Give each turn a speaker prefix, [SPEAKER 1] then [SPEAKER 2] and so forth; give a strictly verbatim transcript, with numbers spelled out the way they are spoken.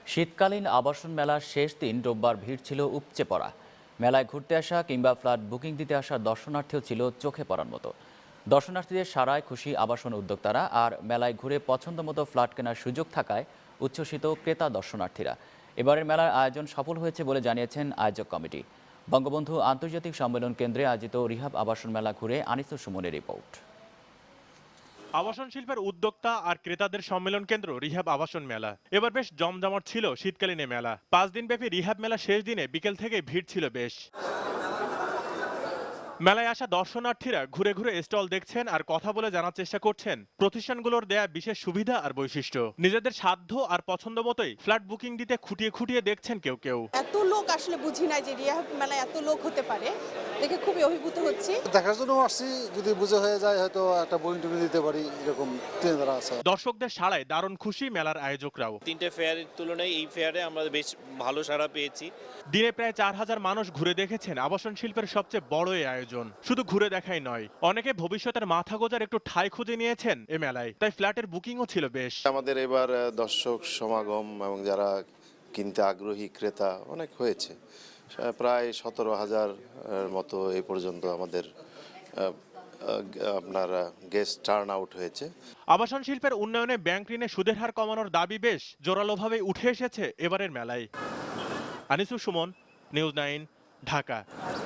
[SPEAKER 1] শীতকালীন আবাসন মেলার শেষ দিন রোববার ভিড় ছিল উপচে পড়া। মেলায় ঘুরতে আসা কিংবা ফ্ল্যাট বুকিং দিতে আসা দর্শনার্থীও ছিল চোখে পড়ার মতো। দর্শনার্থীদের সারায় খুশি আবাসন উদ্যোক্তারা, আর মেলায় ঘুরে পছন্দ মতো ফ্ল্যাট কেনার সুযোগ থাকায় উচ্ছ্বসিত ক্রেতা দর্শনার্থীরা। এবারের মেলার আয়োজন সফল হয়েছে বলে জানিয়েছেন আয়োজক কমিটি। বঙ্গবন্ধু আন্তর্জাতিক সম্মেলন কেন্দ্রে আয়োজিত রিহাব আবাসন মেলা ঘুরে আনিসুর সুমনের রিপোর্ট।
[SPEAKER 2] আবাসন শিল্পের উদ্যোক্তা আর ক্রেতাদের সম্মেলন কেন্দ্র রিহাব আবাসন মেলা এবার বেশ জমজমাট ছিল শীতকালীন এই মেলা। পাঁচ দিনব্যাপী রিহাব মেলা শেষ দিনে বিকেল থেকে ভিড় ছিল বেশ। মেলায় আসা দর্শনার্থীরা ঘুরে ঘুরে স্টল দেখছেন আর কথা বলে জানার চেষ্টা করছেন প্রতিষ্ঠানগুলোর দেয়া বিশেষ সুবিধা আর বৈশিষ্ট্য। নিজেদের সাধ্য আর পছন্দ মতোই ফ্ল্যাট বুকিং দিতে খুঁটিয়ে খুঁটিয়ে দেখছেন কেউ কেউ।
[SPEAKER 3] এত লোক আসলে বুঝি নাই যে রিহাব মেলায় এত লোক হতে পারে, দেখে খুবই অভিভূত হচ্ছি।
[SPEAKER 4] দেখার জন্য আসছি, যদি বুঝে হয়ে যায় হয়তো একটা বুকিং টুকিং দিতে পারি, এরকম চিন্তা আছে।
[SPEAKER 2] দর্শকদের সাড়ায় দারুণ খুশি মেলার আয়োজকরাও।
[SPEAKER 5] তিনটে ফেয়ারের তুলনায় এই ফেয়ারে আমরা বেশ ভালো সাড়া পেয়েছি।
[SPEAKER 2] দিনে প্রায় চার হাজার মানুষ ঘুরে দেখেছেন আবাসন শিল্পের সবচেয়ে বড় এই আয়োজন। শুধু ঘুরে দেখাই নয়, অনেকে ভবিষ্যতের মাথা গোজার একটু ঠাঁই খুঁজে নিয়েছেন এ মেলায়, তাই ফ্ল্যাটের বুকিংও ছিল বেশ।
[SPEAKER 6] আমাদের এবার দর্শক সমাগম এবং যারা কিনতে আগ্রহী ক্রেতা অনেক হয়েছে, প্রায় সতেরো হাজার মতো এই পর্যন্ত আমাদের আপনার গেস্ট টার্ন আউট হয়েছে।
[SPEAKER 2] আবাসন শিল্পের উন্নয়নে ব্যাংক ঋণে সুদের হার কমানোর দাবি বেশ জোরালোভাবে উঠে এসেছে এবারের মেলায়। Anisur Suman, news nine, Dhaka.